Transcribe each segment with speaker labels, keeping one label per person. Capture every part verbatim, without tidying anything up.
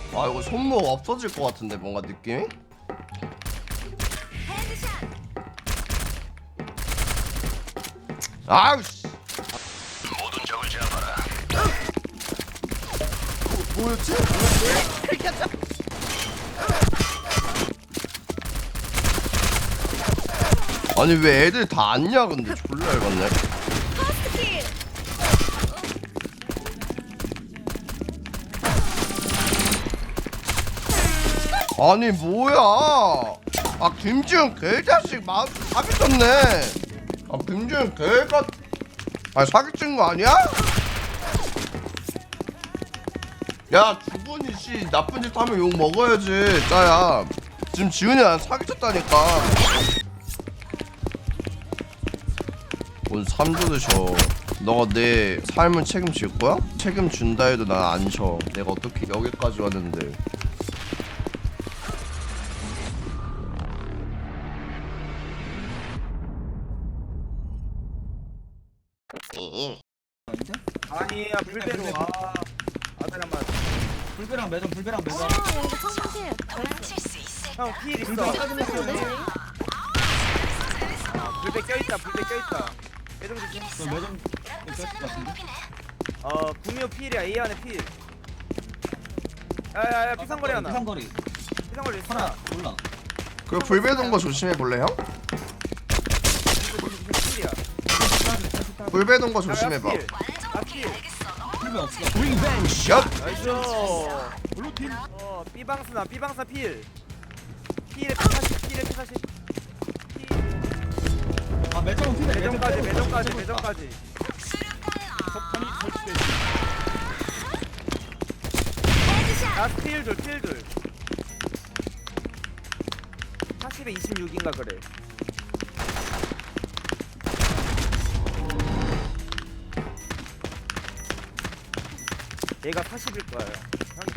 Speaker 1: 아 이거 손목 없어질 것 같은데 뭔가 느낌이? 아우씨
Speaker 2: 모든 적을 제압하라.
Speaker 1: 뭐, 뭐였지? 아니 왜 애들 다 안냐 근데 졸라 열받네. 아니 뭐야? 아 김지훈 개자식 마음 사기쳤네. 아 김지훈 개가 아 사기친 거 아니야? 야 주분이 씨 나쁜 짓 하면 욕 먹어야지 짜야. 지금 지훈이 난 사기쳤다니까. 오늘 삼 조 드셔. 너가 내 삶을 책임질 거야? 책임준다 해도 난 안 져. 내가 어떻게 여기까지 왔는데.
Speaker 3: 아니야 불배로 아 아들 한번
Speaker 4: 불배랑 매점 불배랑 매점.
Speaker 5: 아 여기 청소실.
Speaker 3: 형 필 있어
Speaker 4: 불배 짜증났어.
Speaker 3: 아, 불배 껴있다 불배 껴있다 매점 조심
Speaker 4: 저 매점 꼈을 것 같은데.
Speaker 3: 어 구미호 필이야 A 안에 필 야야야 피상거리 하나
Speaker 4: 피상거리
Speaker 3: 피상거리 있어
Speaker 4: 하나 몰라.
Speaker 1: 그 불배동 거 조심해 볼래 형?
Speaker 3: 필이야
Speaker 1: 불배동 거 조심해 봐.
Speaker 3: 아필
Speaker 4: 불배 없어.
Speaker 1: 샷.
Speaker 3: 나이스 블루팀 어 B방스나 B방스나 필 필에 피사십 필에 피사십
Speaker 4: 아 매점은 피네.
Speaker 3: 매점까지 매점까지 매점까지 라스트 필둘 필둘 사십에 이십육인가 그래 얘가 사십일 거예요 형이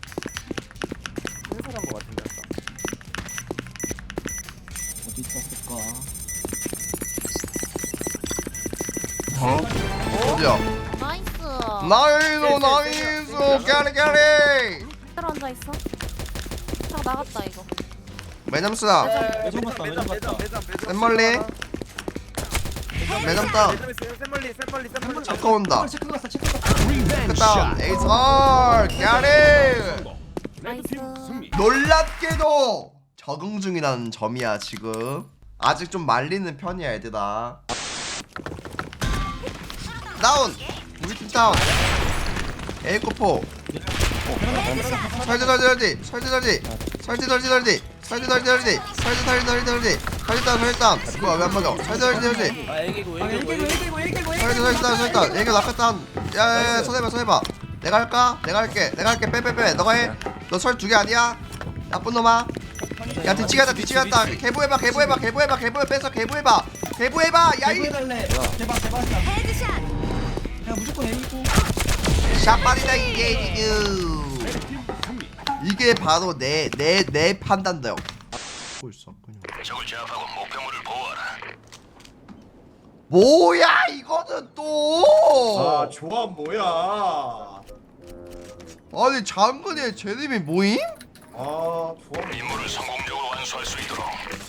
Speaker 3: 해설한 거 같은데 아까
Speaker 4: 어디 있었을까?
Speaker 1: 어? 어디야?
Speaker 5: 나이스.
Speaker 1: 나이스 나이스 깨리 깨리.
Speaker 5: 그대로 앉아 있어. 딱 나갔다 이거.
Speaker 1: 매점스다.
Speaker 4: 매점 갔다, 매점 갔다.
Speaker 1: 샘멀리. 매점 다운.
Speaker 3: 샘멀리 샘멀리 샘멀리
Speaker 1: 잠깐 온다.
Speaker 4: 체크 갔어 체크 갔어.
Speaker 1: 그다음 에이설 깨리.
Speaker 5: 나이스.
Speaker 1: 놀랍게도 적응 중이라는 점이야 지금. 아직 좀 말리는 편이야 얘들아. 다운. 우리 팀 다운. 에이코포. 설지 설지 설지 설지 설지 설지 설지 설지 설지 설지 설지 설지 설지 설지 설지 설지 다운 설지 다운. 뭐야 왜 안 먹여? 설지 설지 설지
Speaker 3: 아 애기고
Speaker 4: 아 일개고 일개고 일개고
Speaker 1: 설지 설지 다운 설지 다운. 얘가 낙하다운. 야야야 손해봐 손해봐. 내가 할까? 내가 할게 내가 할게 빼빼빼 너가 해. 너 설 두 개 아니야? 나쁜 놈아. 야 뒤치 갔다 뒤치 갔다. 개보해봐 개보해봐 개보해봐 개보해 뺏어 개보해봐 개보해봐 야이.
Speaker 4: 해달래. 대박 대박이야.
Speaker 5: 헤드샷.
Speaker 4: 그냥 무조건 A고.
Speaker 1: 샷발이다 이게 지금. 이게 바로 내 내 내 판단력. 보고 있어 그냥.
Speaker 2: 적을 제압하고 목표물을 보호하라.
Speaker 1: 뭐야 이거는 또.
Speaker 6: 아 조합 뭐야?
Speaker 1: 아니 장근의 제님이 모임?
Speaker 6: 아 조합
Speaker 2: 임무를 성공적으로 완수할 수 있도록.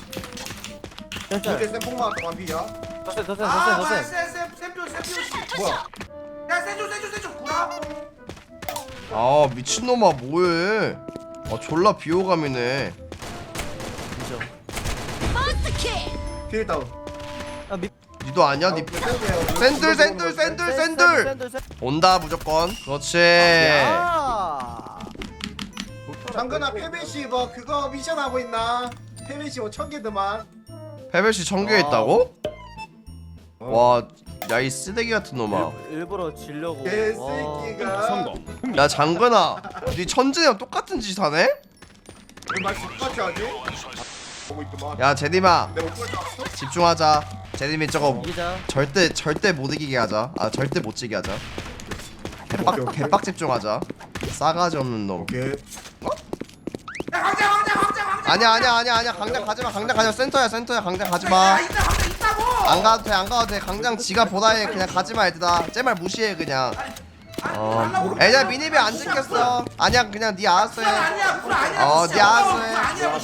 Speaker 6: 이게 쌤뽕만 완비야?
Speaker 3: 더센 더센
Speaker 6: 아
Speaker 3: 더센
Speaker 6: 뭐야
Speaker 3: 더센
Speaker 6: 쌤쌤쌤 쌤 뭐야? 야 쌤줘 쌤줘 쌤줘 구라?
Speaker 1: 아 미친놈아 뭐해. 아 졸라 비호감이네.
Speaker 6: 필 다운.
Speaker 1: 니도 아니야? 니 샌들 샌들 샌들 샌들 온다 무조건. 그렇지.
Speaker 6: 장근아 페베시 뭐 그거 미션 하고 있나? 페베시 뭐 천 개드만.
Speaker 1: 패배시 청교에 있다고? 와 야 이 쓰레기 같은 놈아.
Speaker 3: 일부러 지려고
Speaker 6: 개새끼가.
Speaker 1: 야 장근아 니 천진이랑 똑같은 짓 하네?
Speaker 6: 말 똑같이 하지? 보고 있더만.
Speaker 1: 야 제님아
Speaker 6: 내가 못 볼줄 알았어?
Speaker 1: 집중하자. 제님이 저거
Speaker 3: 이기자
Speaker 1: 절대 절대 못 이기게 하자. 아 절대 못 지게 하자.
Speaker 6: 오케이,
Speaker 1: 개빡
Speaker 6: 오케이.
Speaker 1: 개빡 집중하자. 싸가지 없는 놈.
Speaker 6: 오케이.
Speaker 1: 아니야 아니야 아니야 아니야 강장 가지마 강장 가지마 센터야 센터야 강장 가지마. 안 가도 돼안 가도 돼 강장 지가 보다해 그냥 가지마 얘들아. 쟤말 무시해 그냥. 어 애들 미니비 안 찍혔어. 아니야 그냥 니 알아서 해.
Speaker 6: 아니야 불 아니야.
Speaker 1: 어, 니 알아서 해.
Speaker 6: 아니야.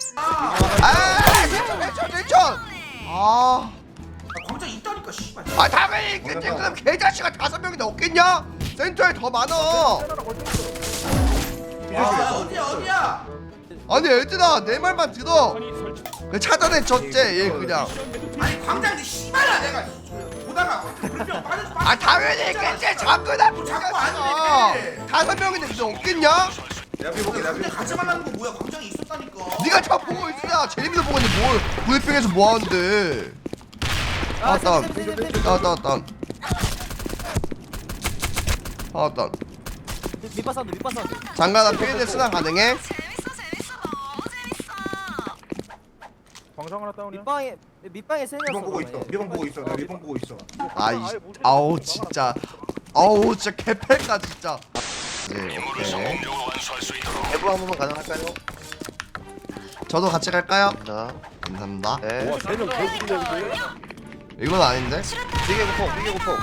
Speaker 1: 아 일천 일천 일천. 아.
Speaker 6: 광장 있다니까 씨발.
Speaker 1: 아 당연히 있겠지. 그럼 개자식아 다섯 명이나 없겠냐? 센터에 더 많아.
Speaker 6: 어디야 어디야?
Speaker 1: 아니 얘들아 내 말만 들어. 그 차단해 졌제 얘 그냥.
Speaker 6: 아니 광장이 씨발야 내가 보다가 물병 빠져서
Speaker 1: 아 당연히 있겠지. 자꾸나
Speaker 6: 자꾸 안 돼.
Speaker 1: 다섯 명인데 무슨 없겠냐?
Speaker 6: 내가 비볼게 내가 근데 같이 만나는 거 뭐야? 광장이 있었다니까.
Speaker 1: 네가 저 보고 있으냐? 재림이도 보고 있는데 뭘 브리핑에서 뭐 하는데? 아 다운 다운 다운 다운 아 다운
Speaker 3: 밑바 사운드 밑바 사운드.
Speaker 1: 장가나 필드 순환 가능해?
Speaker 7: 광장 하나 다운이야.
Speaker 3: 밑방에 밑방에 세
Speaker 6: 리본
Speaker 3: 명.
Speaker 6: 보고 있어. 리본 보고 있어. 내가 리본 보고 있어.
Speaker 1: 아이 아우 진짜 아우 진짜 개패다 진짜. 네
Speaker 2: 임무를
Speaker 1: 오케이.
Speaker 2: 성공적으로 완수할 수 있도록
Speaker 8: 대부 한 번만 가능할까요?
Speaker 1: 저도 같이 갈까요?
Speaker 8: 자,
Speaker 1: 감사합니다.
Speaker 8: 네.
Speaker 7: 와, 세명 개웃기네.
Speaker 1: 이건 아닌데?
Speaker 8: 비계 고폭, 비계 고폭.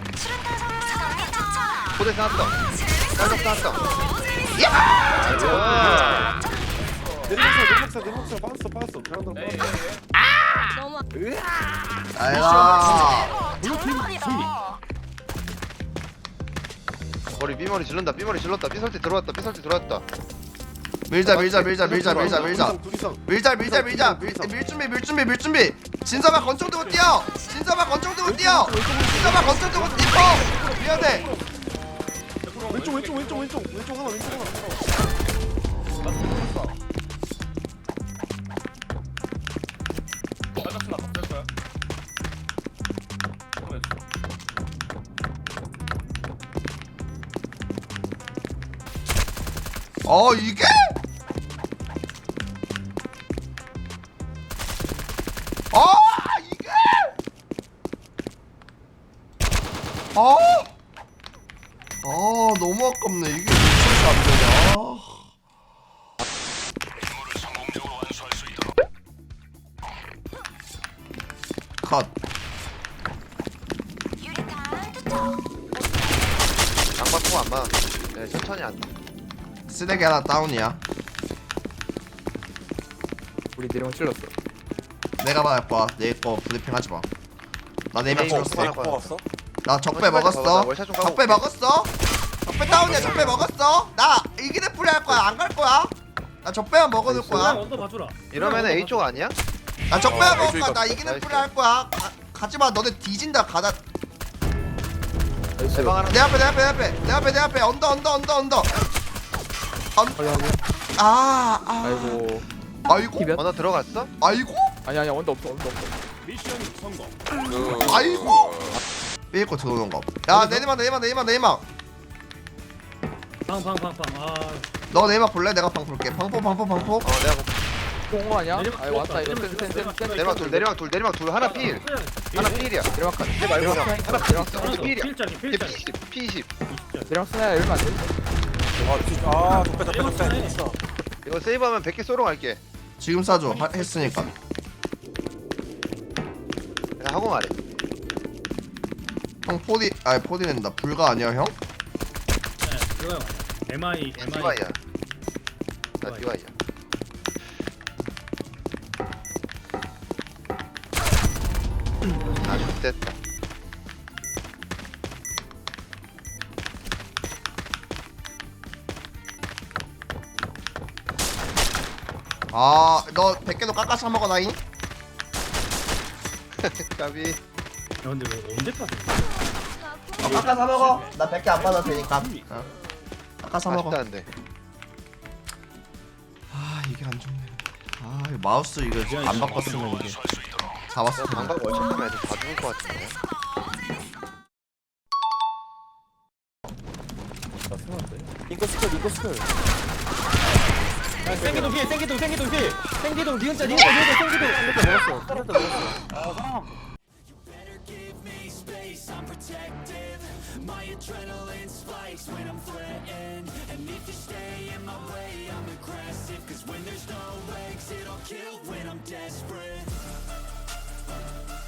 Speaker 8: 포대 쌓았다. 쌀적 쌓았다.
Speaker 7: 내리막사, 내리막사, 내리막사 빠졌어, 빠졌어. 베란다 빠졌어.
Speaker 5: 너무
Speaker 1: 아이라
Speaker 8: 머리 삐머리 질른다. 삐머리 질렀다. 삐설때 들어왔다. 삐설때 들어왔다.
Speaker 1: 밀자 밀자 밀자 밀자 밀자 밀자
Speaker 7: 둘 이상.
Speaker 1: 밀자 밀자 밀자 밀, 밀 준비 밀 준비 밀 준비 진서봐 건총 들고 뛰어 진서봐 건총 들고 뛰어 진서봐 건총 들고 뛰어 미안해
Speaker 7: 왼쪽, 왼쪽, 왼쪽, 왼쪽, 왼쪽 하나, 왼쪽 하나.
Speaker 1: 어 이게? 어 이게? 어? 아 너무 아깝네 이게 미쳐서 안 되냐
Speaker 2: 임무를 성공적으로 완수할 수 있도록
Speaker 1: 컷
Speaker 8: 장바통 안 봐. 네, 천천히 안.
Speaker 1: 쓰레기 하나 다운이야
Speaker 7: 우리 내리막 찔렀어.
Speaker 1: 내가 말할 거야 내거 브리핑 하지 마나 네명 찍었어
Speaker 8: 하나 빠졌어.
Speaker 1: 나 적배
Speaker 8: 나
Speaker 1: 먹었어
Speaker 8: 월샷 좀 까고
Speaker 1: 적배 먹었어 적배 다운이야 적배 먹었어 나 이기는 풀이 할 거야 안 갈 거야 나 적배만 먹어둘 거야
Speaker 8: 이러면은 A 쪽 아니야?
Speaker 1: 나 적배만
Speaker 7: 어,
Speaker 1: 먹을 거야
Speaker 7: A쪽이다.
Speaker 1: 나 이기는
Speaker 8: 나이스.
Speaker 1: 풀이 할 거야 가, 가지마 너네 뒤진다 가다
Speaker 8: 대방 하나.
Speaker 1: 내 앞에 내 앞에 내 앞에 내 앞에 내 앞에 언더 언더 언더 언더
Speaker 7: 빨리 하고.
Speaker 1: 아, 아
Speaker 7: 아이고.
Speaker 1: 아이고
Speaker 8: 언어 들어갔어?
Speaker 1: 아이고
Speaker 7: 아니, 아니, 언더 없어, 언더 없어.
Speaker 1: 아이고 삐고 들어오는 거야 내리막 내리막 내리막 내리막
Speaker 9: 방방방방 아
Speaker 1: 너 내리막 볼래? 내가 방 볼게 방포 방포 방포
Speaker 8: 어, 내가
Speaker 7: 공거 아니야?
Speaker 9: 내리막
Speaker 7: 아이 왔다 이거
Speaker 9: 내리막
Speaker 7: 센, 센, 센, 센.
Speaker 8: 내리막 둘, 내리막 둘, 내리막 둘. 하나 필. 하나 필이야.
Speaker 7: 내리막 한.
Speaker 8: 내 말고 형. 하나 필.
Speaker 7: 내리막
Speaker 8: 하나 필이야.
Speaker 9: 필짜리
Speaker 8: 걔
Speaker 9: 필짜리
Speaker 8: 피십, 피십.
Speaker 7: 내리막 쓰나야 열면 안 돼. 아, 좋다, 좋다, 좋다.
Speaker 8: 이거 세이브하면 백 개 쏘러 갈게.
Speaker 1: 지금 쏴줘 하- 했으니까
Speaker 8: 그냥 하고 말해.
Speaker 1: 형 포디 아니 포디 낸다 불가 아니야 형?
Speaker 9: 네 그거요 엠아이 엠아이
Speaker 8: 디바이야. 나 디바이야. 아, 좋됐다.
Speaker 1: 아너 백 개도 깎아서 먹어 나잉?
Speaker 8: 까비.
Speaker 9: 야 근데 왜 언제까지
Speaker 1: 어, 깎아서 먹어 나 백 개 안 받아도 되니까 어. 깎아서 먹어
Speaker 8: 아쉽다는데.
Speaker 1: 아 이게 안 좋네 아 이거 마우스 이거 안 바꿨으면 이게
Speaker 2: 완수할 수 있도록
Speaker 1: 잡았을 텐데
Speaker 8: 방방 월척 하면 애들 다 죽을 것 같은데.
Speaker 3: 링크 스쿨 링크 스쿨. 생기동 피해 생기동 생기동 피해 생기동 니은자 니은자 니은자 생기동 이렇게 먹었어 이렇게 먹었어.
Speaker 10: When there's no exit, I'll kill when I'm desperate.